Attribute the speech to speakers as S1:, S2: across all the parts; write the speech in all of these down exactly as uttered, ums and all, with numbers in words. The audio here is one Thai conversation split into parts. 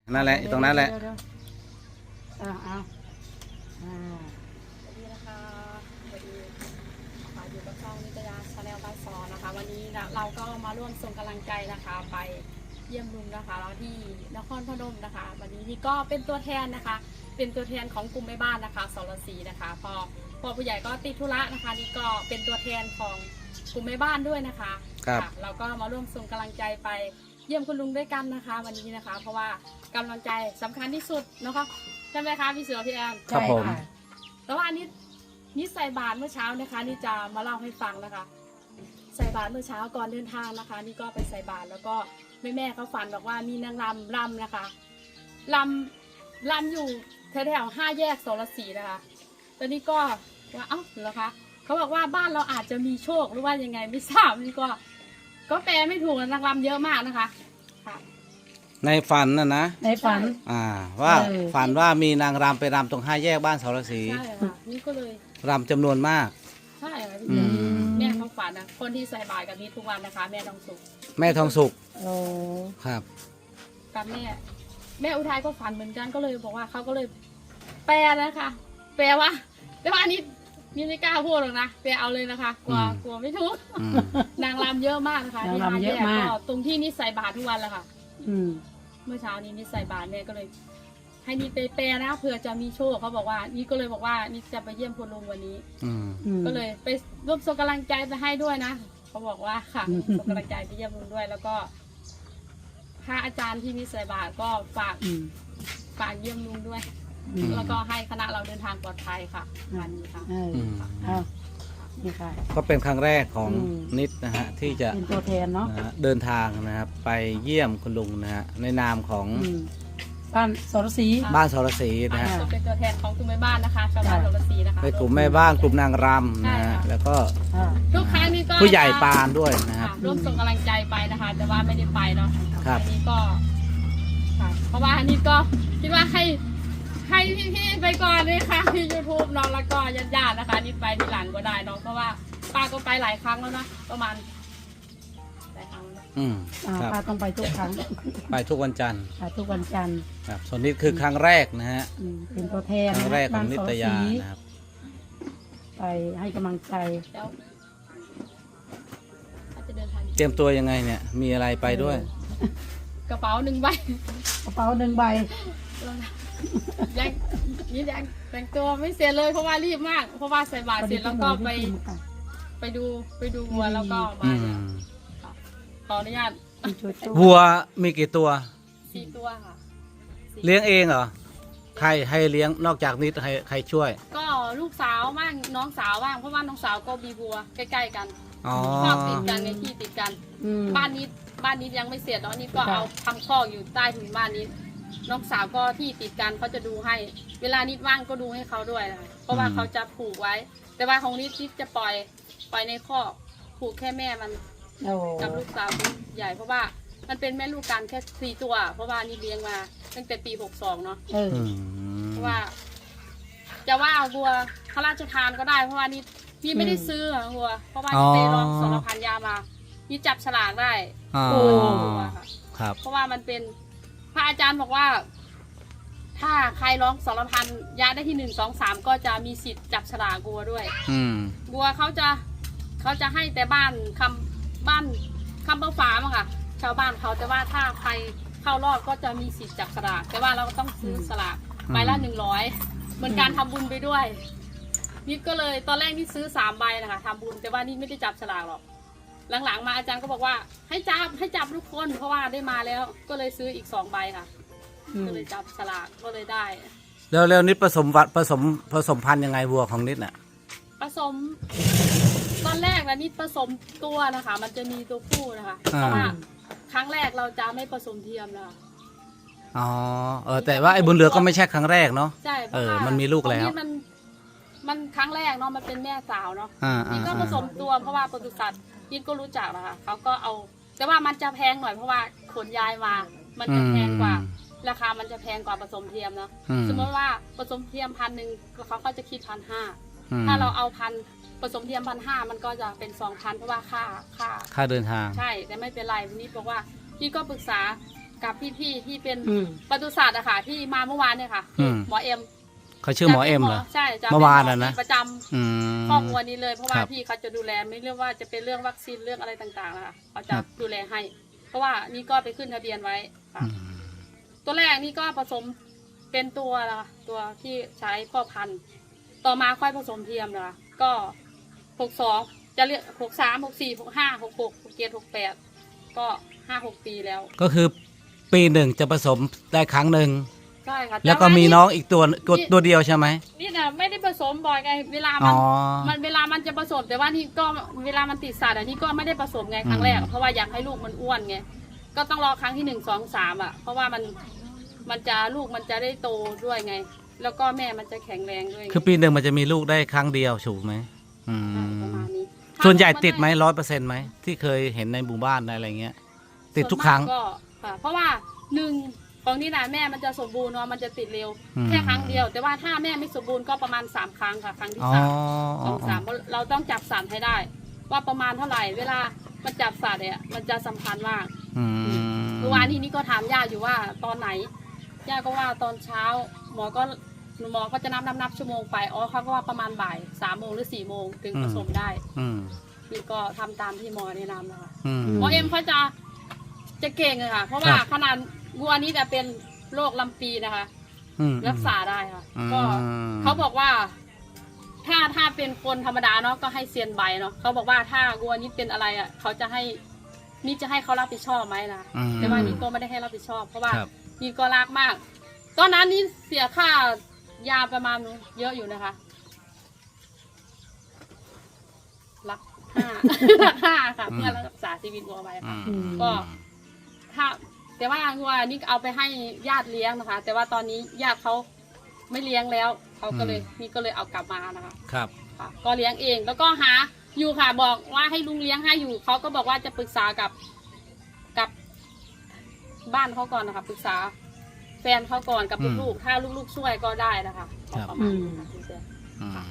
S1: นั่นแหละตรงนั้นแหละ
S2: อ่าเอาอ่า
S3: สวัสดีนะคะสวัสดีค่ะอยู่กับช่องนิตยาชาแนลบ้านซอนะคะ วันนี้เราก็มาร่วมส่งกำลังใจนะคะ ไปเยี่ยมลุงนะคะแล้วที่นครพนมนะคะ วันนี้นี่ก็เป็นตัวแทนนะคะ เป็นตัวแทนของกลุ่มแม่บ้านนะคะสรศรีนะคะพอพอผู้ใหญ่ก็ติดธุระนะคะนี่ก็เป็นตัวแทนของกลุ่มแม่บ้านด้วยนะคะครับเราก็มาร่วมส่งกำลังใจไปเยี่ยมคุณลุงด้วยกันนะคะ วันนี้นะคะ เพราะว่ากำลังใจสำคัญที่สุดนะคะใช่ไหมคะพี่เสือพี่แอน
S1: ครับผม
S3: แล้วว่านี่นี่ใส่บาตรเมื่อเช้านะคะนี่จะมาเล่าให้ฟังนะคะ ใส่บาตรเมื่อเช้าก่อนเดินทางนะคะ นี่ก็ไปใส่บาตรแล้วก็แม่แม่เขาฝันบอกว่ามีนางรำรำนะคะรำรำอยู่แถวๆห้าแยกโสรศรีนะคะตอนนี้ก็ว่าเอ้าเหรอคะเขาบอกว่าบ้านเราอาจจะมีโชคหรือว่ายังไงไม่ทราบนี่ก็ก็แปลไม่ถูกนางรำเยอะมากนะคะค่ะ
S1: ในฝันน่ะนะ
S2: ในฝัน
S1: อ่าว่า
S2: เออ
S1: ฝันว่ามีนางรำไปรำตรงห้าแยกบ้านเสารศรี
S3: ใช่ค่ะนี่ก็เลย
S1: รำจำนวนมาก
S3: ใช่ค่ะ
S1: อืม
S3: แม่เขาฝันนะคนที่ใส่บาตรกับนี้ทุกวันนะคะ แม่ทองสุข
S1: แม่ทองสุข
S2: โอ้
S1: ครับ
S3: กับแม่แม่อุทัยก็ฝันเหมือนกันก็เลยบอกว่าเขาก็เลยแปลนะคะ แปลว่าแต่ว่าอันนี้นี่ไม่กล้าพูดหรอกนะแปลเอาเลยนะคะกลัว
S1: อืม
S3: กลัวไม่ถูก
S1: อืม
S3: นางรำเยอะมากนะคะที่ห้าแยกก็ตรงที่นี่ใส่บาตรทุกวันแหละค่ะ
S2: อืม
S3: เมื่อเช้านี้นี่ใส่บาตรแม่ก็เลย ให้นี่ไปแปลนะเผื่อจะมีโชคเขาบอกว่านี่ก็เลยบอกว่านี่จะไปเยี่ยมคุณลุงวันนี้
S1: อืม
S2: อืม
S3: ก็เลยไปร่วมส่งกำลังใจไปให้ด้วยนะเขาบอกว่าค่ะ
S2: อืม
S3: ส่งกำลังใจไปเยี่ยมลุงด้วย แล้วก็พระอาจารย์ที่มีใส่บาตรก็ฝาก
S2: อืม
S3: ฝากเยี่ยมลุงด้วย
S2: อืม
S3: แล้วก็ให้คณะเราเดินทางปลอดภัยค่ะงานนี้ค่ะ
S2: เออ
S1: อืม
S2: เอานี่ค่ะ
S1: ก็เป็นครั้งแรกของ
S2: อืม
S1: นิดนะฮะที่จะ
S2: เป็นตัวแทนเนาะ
S1: นะฮะเดินทางนะครับไปเยี่ยมคุณลุงนะฮะในนามของ
S2: อืมบ้านสรศรี
S1: บ้านเสารศรีนะฮะ
S3: ก็เป็นตัวแทนของกลุ่มแม่บ้านนะคะชาวบ้านโดรศรีนะคะ
S1: ในกลุ่มแม่บ้านกลุ่มนางรำนะฮะแล้วก็
S2: อ่า
S3: ทุกครั้งนี้ก็
S1: ผู้ใหญ่ปานด้วยนะครับ
S3: ค่ะร่วมส่งกำลังใจไปนะคะ แต่ว่าไม่ได้ไปเนาะ
S1: ครับ
S3: อันนี้ก็ค่ะเพราะว่าอันนี้ก็คิดว่าให้ให้พี่ๆไปก่อนเลยค่ะที่ยูทูบน้องแล้วก็ญาติๆนะคะนี่ไปที่หลังก็ได้เน้องเพราะว่าป้าก็ไปหลายครั้งแล้วนะประมาณหลายครั้งแล้ว
S1: อืม
S2: อ่า
S1: ครับ
S2: ป้าต้องไปทุกครั้ง
S1: ไปทุกวันจันทร์
S2: ไปทุกวันจันทร์
S1: ครับส่วนนี้คือครั้งแรกนะฮะ
S2: อืมเป็นตัวแทน
S1: ครั้งแรกของนิตยา
S2: บ้สรศรี
S1: นะครับ
S2: ไปให้กำลังใจ
S3: แล้วถ้าจะเดินทาง
S1: เตรียมตัวยังไงเนี่ยมีอะไรไปด้วย
S3: กระเป๋าหนึ่งใบ
S2: กระเป๋าหนึ่งใบ
S3: ยังนี่ยังแต่งตัวไม่เสร็จเลยเพราะว่ารีบมาก เพราะว่าใส่บาตรเสร็จแล้วก็ไปไปดูไปดูวัวแล้วก็
S1: อื
S3: มาม ขออนุญาต
S2: มีจุดตู้
S1: วัวมีกี่ตัว
S3: สี่ตัวค่ะสี่
S1: เลี้ยงเองเหรอใครให้เลี้ยงนอกจากนิดใครใครช่วย
S3: ก็ลูกสาวบ้างน้องสาวบ้างเพราะว่าน้องสาวก็มีวัวใกล้ๆกัน
S1: อ๋อ
S3: คอกติดกันในที่ติดกัน
S2: อืม
S3: บ้านนี้บ้านนี้ยังไม่เสร็จเนาะนี่ก็
S2: ค่ะ
S3: เอาทำคอกอยู่ใต้ถุนบ้านนี้ น้องสาวก็ที่ติดกันเขาจะดูให้ เวลานิดว่างก็ดูให้เขาด้วยนะคะเพราะว่าเขาจะผูกไว้ แต่ว่าของนิดนิดจะปล่อยปล่อยในคอกผูกแค่แม่มัน
S2: โอ้
S3: กับลูกสาวใหญ่เพราะว่ามันเป็นแม่ลูกกันแค่สี่ตัว เพราะว่านี่เลี้ยงมาตั้งแต่ปีหกสองเนาะ
S2: เออ
S1: อืม
S3: เพราะว่า จะว่าวัวพระราชทานก็ได้ เพราะว่านี่นี่ไม่ได้ซื้ออะวัว เพราะว่านี่ไปลองสารพันยามานี่จับฉลากได้
S1: อ๋อ
S3: วัวค่ะ
S1: ครับ
S3: เพราะว่ามันเป็นพระอาจารย์บอกว่า ถ้าใครร้องสารพันยาได้ที่หนึ่งสองสามก็จะมีสิทธิ์จับฉลากวัวด้วย
S1: อืม
S3: วัวเขาจะเขาจะให้แต่บ้านคำบ้านคำเบาฝามั้งค่ะ ชาวบ้านเขาแต่ว่าถ้าใครเข้ารอบก็จะมีสิทธิ์จับสลากแต่ว่าเราก็ต้องซื้อสลากใบละหนึ่งร้อยเหมือนการทำบุญไปด้วยนิดก็เลยตอนแรกนี่ซื้อสามใบนะคะทำบุญแต่ว่านี่ไม่ได้จับฉลากหรอกหลังๆมาอาจารย์ก็บอกว่าให้จับให้จับทุกคนเพราะว่าได้มาแล้ว ก็เลยซื้ออีกสองใบค่ะ
S2: อืม
S3: ก็เลยจับฉลากก็เลยได้
S1: แล้วแล้วนิดผสมวัดผสมผสมพันธุ์ยังไงวัวของนิดน่ะ
S3: ผสม ตอนแรกนะนี่ผสมตัวนะคะ มันจะมีตัวผู้นะคะ
S1: อ่า
S3: เพราะว่าครั้งแรกเราจะไม่ผสมเทียมนะคะ
S1: อ๋อเออแต่ว่าไอ้บุญเหลือก็ไม่ใช่ครั้งแรกเนาะ
S3: ใช่เพ
S1: เอ
S3: ราะ
S1: อ
S3: ว่า
S1: มันมีลูกแล้ว
S3: ตรงนี้มันมันครั้งแรกเนาะมันเป็นแม่สาวเนาะ
S1: อ่า
S3: นี่
S1: อ่า
S3: ก็ผสมตัวเพราะว่าปศุสัตว์ยินก็รู้จักนะคะเขาก็เอา แต่ว่ามันจะแพงหน่อยเพราะว่าขนย้ายมา มันจะแพงกว่า ราคามันจะแพงกว่าผสมเทียมเนาะ
S1: อืม
S3: สมมติว่าผสมเทียมพันหนึ่งเขาก็จะคิดพันห้า
S1: อืม
S3: ถ้าเราเอาพันผสมเทียมพันห้ามันก็จะเป็นสองพันเพราะว่าค่าค่า
S1: ค่าเดินทาง
S3: ใช่แต่ไม่เป็นไรวันนี้บอกว่าพี่ก็ปรึกษากับพี่ๆที่เป็น
S2: อืม
S3: ปศุสัตว์อะค่ะที่มาเมื่อวานเนี่ยค่ะ
S1: อืม
S3: หมอเอ็ม
S1: เขาชื่อหมอเอ็มเหรอ
S3: ใช่จะป็
S1: เมื่อวานน่ะนะ
S3: หมอที่ประจำ
S1: อืม
S3: ครอบครัวนี้เลยเพราะว่า
S1: ครับ
S3: พี่เขาจะดูแลไม่เรื่องว่าจะเป็นเรื่องวัคซีนเรื่องอะไรต่างๆนะคะเขา
S1: ค
S3: จะ
S1: รับ
S3: ดูแลให้ เพราะว่านี่ก็ไปขึ้นทะเบียนไว้ค่ะ
S1: อืม
S3: ตัวแรกนี่ก็ผสมเป็นตัวละตัวที่ใช้พ่อพันธุ์ต่อมาค่อยผสมเทียมนะคะก็หกสองจะเรียกหกสามหกสี่หกห้าหกหกหกเจ็ดหกแปดก็ห้าหกปีแล้ว
S1: ก็คือปีหนึ่งจะผสมได้ครั้งหนึ่ง
S3: ใช่ค่ะ
S1: แล้วก็มีน้องอีกตัวกดตัวเดียวใช่ไหม
S3: นี่นะไม่ได้ผสมบ่อยไงเวลา
S1: อ๋
S3: มัน
S1: อ
S3: มันเวลามันจะผสมแต่ว่านี่ก็เวลามันติดสัตว์อ่ะนี่ก็ไม่ได้ผสมไงครั้งแรก
S1: อืม
S3: เพราะว่าอยากให้ลูกมันอ้วนไงก็ต้องรอครั้งที่หนึ่งสองสามอ่ะเพราะว่ามันมันจะลูกมันจะได้โตด้วยไง แล้วก็แม่มันจะแข็งแรงด้วยไง
S1: คือปีหนึ่งมันจะมีลูกได้ครั้งเดียวถูกไหมอื
S3: ใช่
S1: ม
S3: ประมาณนี้
S1: ส่วนใหญ่ติดไหมร้อยเปอร์เซ็นต์ไหมที่เคยเห็นในหมู่บ้านในอะไรเงี้ย ติดทุกครั้ง
S3: ส่วนมากก็ค่ะเพราะว่าหนึ่งของนี่นะแม่มันจะสมบูรณ์เนาะมันจะติดเร็ว
S1: อืม
S3: แค่ครั้งเดียว แต่ว่าถ้าแม่ไม่สมบูรณ์ก็ประมาณสามครั้งค่ะครั้งที่
S1: อ๋อ
S3: สาม
S1: อ๋
S3: ส
S1: อ
S3: องสามเพราะเราต้องจับสัตว์ให้ได้ ว่าประมาณเท่าไหร่ เวลามันจับสัตว์เนี่ยมันจะสำคัญมาก
S1: อืม
S3: เมื่อวานนี้นี่ก็ถามย่าอยู่ว่าตอนไหนย่าก็ว่าตอนเช้า หมอก็หมอก็จะนับนับนับชั่วโมงไปอ๋อเขาก็ว่าประมาณบ่ายสามโมงหรือสี่โมงถึงผสมได้
S1: อืม
S3: นี่ก็ทำตามที่หมอแนะนำนะคะ
S1: อืม
S3: หมอเอ็มเขาจะจะเก่งเลยค่ะ เพราะว่า
S1: ครับ
S3: ขนาดวัวนี้จะเป็นโรคลำปีนะคะ
S1: อืม
S3: รักษาได้ค่ะ
S1: อืม
S3: ก็เขาบอกว่า ถ้าถ้าเป็นคนธรรมดาเนาะก็ให้เซียนใบเนาะเขาบอกว่าถ้าวัวนี้เป็นอะไรอ่ะเขาจะให้นี่จะให้เขารับผิดชอบไหมนะ
S1: อืม
S3: แต่ว่านี่ก็ไม่ได้ให้รับผิดชอบ เพราะว่า
S1: ครับ
S3: นี่ก็รักมาก ตอนนั้นนี่เสียค่ายาประมาณเยอะอยู่นะคะรักห้า รักห้าค่ะเพื่อรักษาชีวิตวัวไว้ค่ะ
S1: อืม
S3: ก็ ถ้าแต่ว่าวัวนี่เอาไปให้ญาติเลี้ยงนะคะ แต่ว่าตอนนี้ญาติเขาไม่เลี้ยงแล้วเขาก็เลย
S1: อืม
S3: นี่ก็เลยเอากลับมานะคะ
S1: ครับ
S3: ค่ะ ก็เลี้ยงเองแล้วก็หาอยู่ค่ะบอกว่าให้ลุงเลี้ยงให้อยู่เขาก็บอกว่าจะปรึกษากับกับบ้านเขาก่อนนะคะปรึกษา แฟนเขาก่อนกับ
S1: อืม
S3: ลูกๆถ้าลูกๆช่วยก็ได้นะคะ
S1: ครับ
S3: ประมาณนี้ค่ะคุณเจ
S1: อืม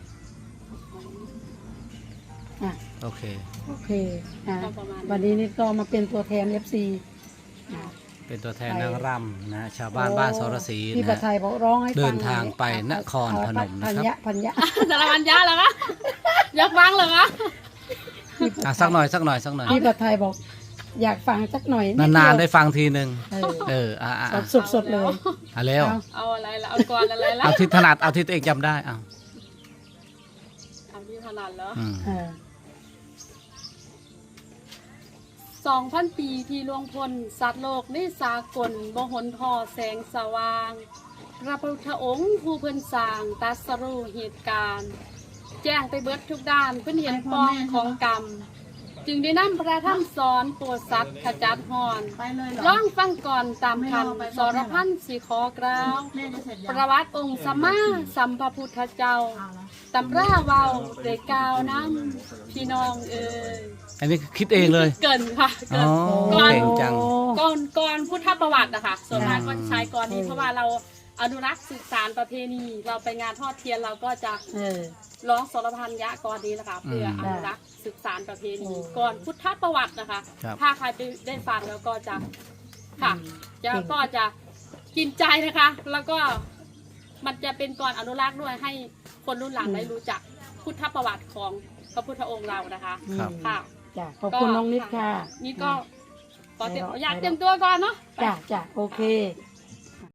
S2: อ่ะ
S1: โอเค
S2: โอเคอ่ะ
S3: ก็ประมาณ
S2: วันนี้นี่ก็มาเป็นตัวแทน เอฟ ซีอ่ะ
S1: เป็นตัวแทนนางรำนะชาวบ้านบ้านสรศรี
S2: พี่
S1: นะ
S2: ประไทยบอกร้องให้ฟัง
S1: เดินทางไป
S2: อ่ะ
S1: นครพนมนะครับ
S2: พันยะพันยะ
S3: สารวัตรยะเหรอคะอยากฟังเหรอคะ
S1: อ่ะสักหน่อยสักหน่อยสักหน่อย
S2: พี่ประไทยบอก อยากฟังสักหน่อย
S1: นานๆได้ฟังทีหนึ่ง
S2: เออ
S1: เอออ่ะอ่ะ
S2: ส
S1: อ่ะ
S2: ดสดสดๆเลย
S1: อ่ะเร็ว
S2: เอา
S3: เอาอะไรละเอากรอะไรละ
S1: เอาที่ถนัดเอาที่ตัวเองจำได้เอา
S3: เอาที่ถนัดแล้ว
S1: อืม
S2: เออ
S3: สองพันปีที่ล่วงพ้นสัตว์โลกในสากลบ่หนทอแสงสว่างพระพุทธองค์ผู้เพิ่นสร้างตรัสรู้เหตุการณ์ แจ้งไปเบิดทุกด้านเพิ่นเห็นปองของกรรม จึงได้นำพระธรรมสอนโปรดสัตว์ขจัดหอน
S4: ไปเลยเหรอ
S3: ร้องฟังก่อนตามคำสรพันสีขอกล่าว
S4: แม่จะเสร็จยัง
S3: ประวัติองค์สัมมาสัมพุทธเจ้า
S4: เอาละ
S3: ตำราเว้าได้กล่าวน้ำพี่น้องเอ่ย
S1: อันนี้คิดเองเลย
S3: เกินค่ะ
S1: อ๋
S3: เกิ
S1: อน เก่งจัง
S3: ก่อนก่อนพุทธประวัตินะคะส่วนมาก
S2: อ่า
S3: ก็ใช้ก่อนนี้เพราะว่าเราอนุรักษ์สืบสานประเพณี เราไปงานทอดเทียนเราก็จะ
S2: เออ
S3: ร้องสรพันยะก่อนนี้นะคะเพื่ออ
S1: ม
S3: นุรักษ์สืบสานประเพณี
S2: โอ้
S3: ก่อนพุทธประวัตินะคะ
S1: ครับ
S3: ถ้าใครไปได้ฟังแล้วก็จะค่ะ
S2: อืม
S3: จะ
S2: เก่ง
S3: ก็จะกินใจนะคะ แล้วก็มันจะเป็นก่อนอนุรักษ์ด้วยให้คนรุ่นหลังได้รู้จักพุทธประวัติของพระพุทธองค์เรานะคะ
S1: ครับ
S2: อืม
S3: ค่ะ
S2: จ้ะขอบคุณน้องนิดค่ะ
S3: นี่ก็ขอเตรียมอยากเตรียมตัวก่อนเนาะ
S2: จ้ะจ้ะโอเค